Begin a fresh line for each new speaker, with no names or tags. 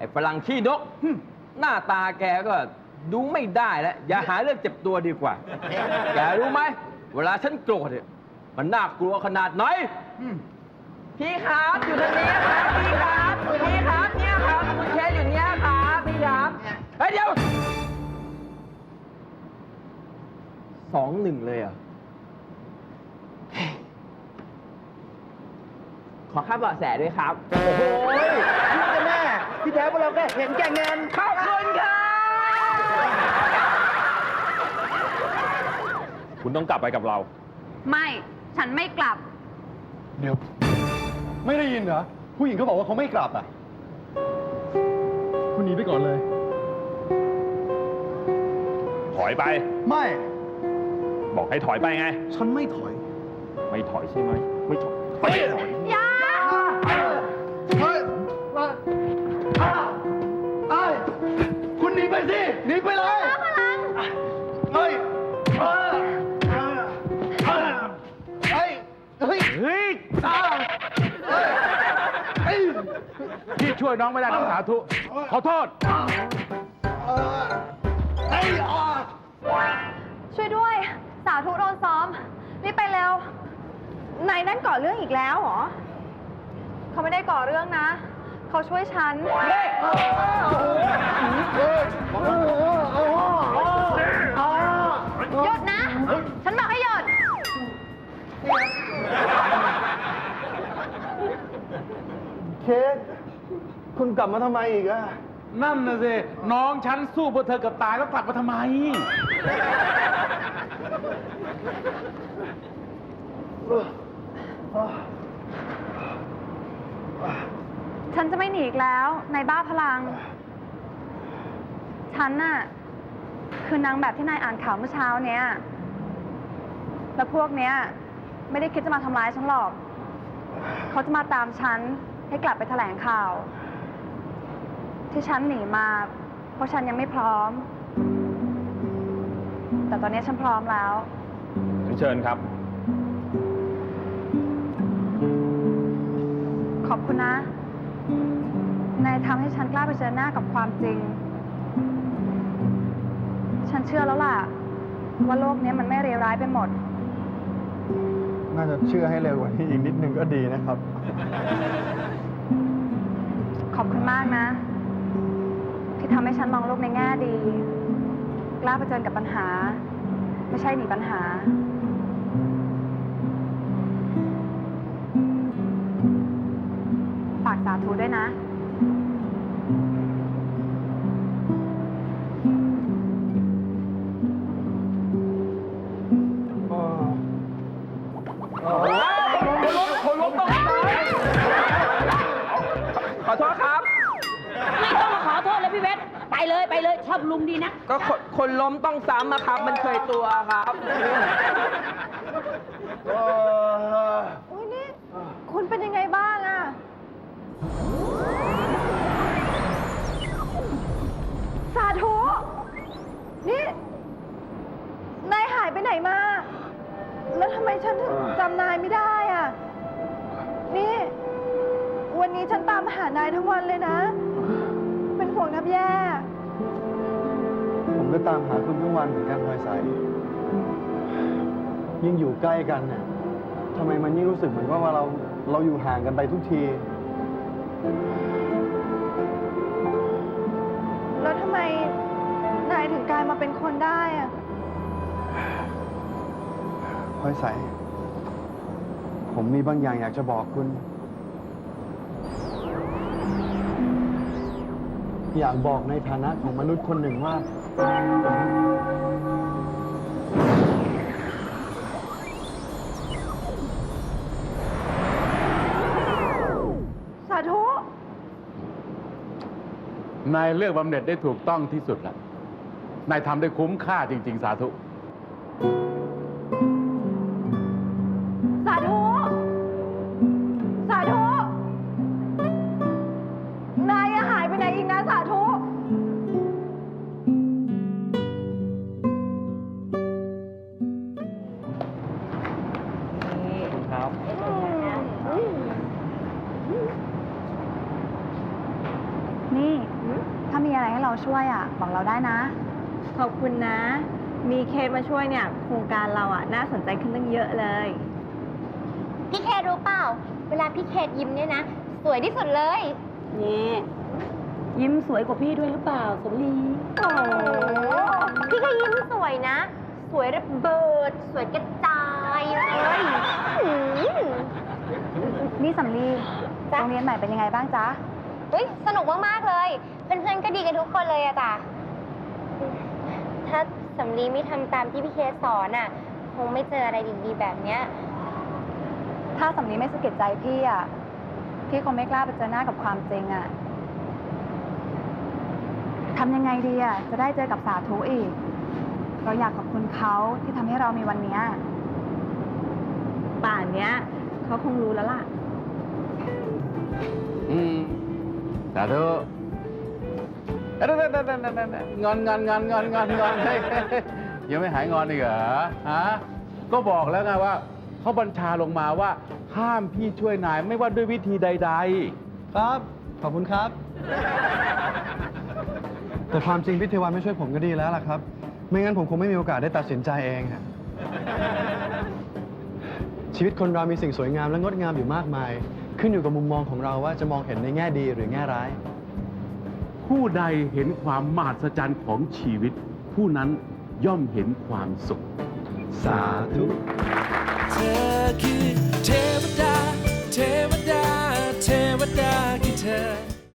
อ้ฝรั่งขี้นกหน้าตาแกก็ดูไม่ได้แล้วอย่าหาเรื่องเจ็บตัวดีกว่าแกรู้ไหมเวลาฉันโกรธเนี่ยมันน่ากลัวขนาดไหนพี่ครับอยู่ตรงนี้ครับพี่ครับเนี่ยครับคุณเคสอยู่เนี่ยครับพี่ครับเฮ้ยเดี๋ยว2-1เลยอ่ะขอค่าเบาะแสด้วยครับโอ้โหพี่แม่ที่แท้พวกเราแค่เห็นแก่เงินขอบคุณครับ
คุณต้องกลับไปกับเรา
ไม่ฉันไม่กลับ
เดี๋ยวไม่ได้ยินเหรอผู้หญิงเขาบอกว่าเขาไม่กลับอ่ะคุณหนีไปก่อนเลย
ถอยไป
ไม่
บอกให้ถอยไปไง
ฉันไม่ถอย
ไม่ถอยใช่ไหมไม่ถอย
อย่า
เฮ้ยคุณหนีไปสิหนีไปเลย
พลัง
เฮ้ย
พี่ช่วยน้องไม่ได้ต้องสาธุขอโทษ
ช่วยด้วยสาธุโดนซ้อมรีบไปเร็วนายนั่นก่อเรื่องอีกแล้วเหรอเขาไม่ได้ก่อเรื่องนะเขาช่วยฉันหยุดนะฉันบอกให้หยุด
เคสคุณกลับมาทำไมอีกอะ
นั่นน่ะสิน้องฉันสู้เพื่อเธอกับตายแล้วกลับมาทำไม
ฉันจะไม่หนีอีกแล้วนายบ้าพลังฉันน่ะคือนางแบบที่นายอ่านข่าวเมื่อเช้าเนี้ยแล้วพวกเนี้ยไม่ได้คิดจะมาทำร้ายฉันหรอกเขาจะมาตามฉันให้กลับไปแถลงข่าวที่ฉันหนีมาเพราะฉันยังไม่พร้อมแต่ตอนนี้ฉันพร้อมแล้ว
เชิญครับ
ขอบคุณนะนายทำให้ฉันกล้าเผชิญหน้ากับความจริงฉันเชื่อแล้วล่ะว่าโลกนี้มันไม่เลวร้ายไปหมด
น่าจะเชื่อให้เร็วกว่านี้อีกนิดนึงก็ดีนะครับ
ขอบคุณมากนะที่ทำให้ฉันมองโลกในแง่ดีกล้าเผชิญกับปัญหาไม่ใช่หนีปัญหาฝากสาธุด้วยนะ
คนล้มต้องขอโทษครับ
ไม่ต้องมาขอโทษเลยพี่เวทไปเลยชอบลุงดีนะ
ก็คนล้มต้องซ้ำครับมันเคยตัวครับ
อุ้ยนี่คุณเป็นยังไงบ้างอะสาธุนี่นายหายไปไหนมาแล้วทำไมฉันถึงจำนายไม่ได้อะนี่วันนี้ฉันตามหานายทั้งวันเลยนะเป็นห่วงแทบแย่
ผมก็ตามหาคุณทุกวันเหมือนกันพลอยใสยิ่งอยู่ใกล้กันเนี่ยทำไมมันยิ่งรู้สึกเหมือนว่าเราอยู่ห่างกันไปทุกที
แล้วทำไมนายถึงกลายมาเป็นคนได้อะ
พลอยใสผมมีบางอย่างอยากจะบอกคุณอยากบอกในฐานะของมนุษย์คนหนึ่งว่า
สาธุ
นายเลือกบำเหน็จได้ถูกต้องที่สุดแล้วนายทำได้คุ้มค่าจริงๆสาธุ
สาธุสาธุนายหายไปไหนอีกนะสาธุ
ครับ
นี่ถ้ามีอะไรให้เราช่วยอ่ะ บอกเราได้นะ
ขอบคุณนะ มีเคสมาช่วยเนี่ย โครงการเราอ่ะ น่าสนใจขึ้นตั้งเยอะเลย
พี่เครู้เปล่า เวลาพี่เคยิ้มเนี่ยนะ สวยที่สุดเลย
นี่ยิ้มสวยกว่าพี่ด้วยหรือเปล่าสำลี
โอ้โหพี่ก็ยิ้มสวยนะ สวยระเบิด สวยกระจายเลยอืม
นี่สำลีโรงเรียนใหม่เป็นยังไงบ้างจ๊ะ
เฮ้ยสนุกมาก ๆ เลย เพื่อนๆก็ดีกันทุกคนเลยอะจ้ะ ถ้าสำลีไม่ทำตามที่พี่เคสอนอะคงไม่เจออะไรดีๆแบบเนี้ย
ถ้าสำลีไม่สะกิดใจพี่อ่ะ พี่คงไม่กล้าไปเจอหน้ากับความจริงอ่ะทำยังไงดีอ่ะ จะได้เจอกับสาธุอีก เราอยากขอบคุณเขาที่ทำให้เรามีวันเนี้ย
ป่านเนี้ยเขาคงรู้แล้วล่ะ
สาธุงอนเฮ้ยยังไม่หายงอนอีกเหรอฮะก็บอกแล้วไงว่าเขาบัญชาลงมาว่าห้ามพี่ช่วยนายไม่ว่าด้วยวิธีใด
ครับ ขอบคุณครับ แต่ความจริงพี่เทวันไม่ช่วยผมก็ดีแล้วล่ะครับ ไม่งั้นผมคงไม่มีโอกาสได้ตัดสินใจเองฮะชีวิตคนเรามีสิ่งสวยงามและงดงามอยู่มากมาย ขึ้นอยู่กับมุมมองของเราว่าจะมองเห็นในแง่ดีหรือแง่ร้าย
ๆ ผู้ใดเห็นความมหัศจรรย์ของชีวิต ผู้นั้นย่อมเห็นความสุข
สาธุ
เธอคือเทวดา เทวดา เทวดาคือเธอ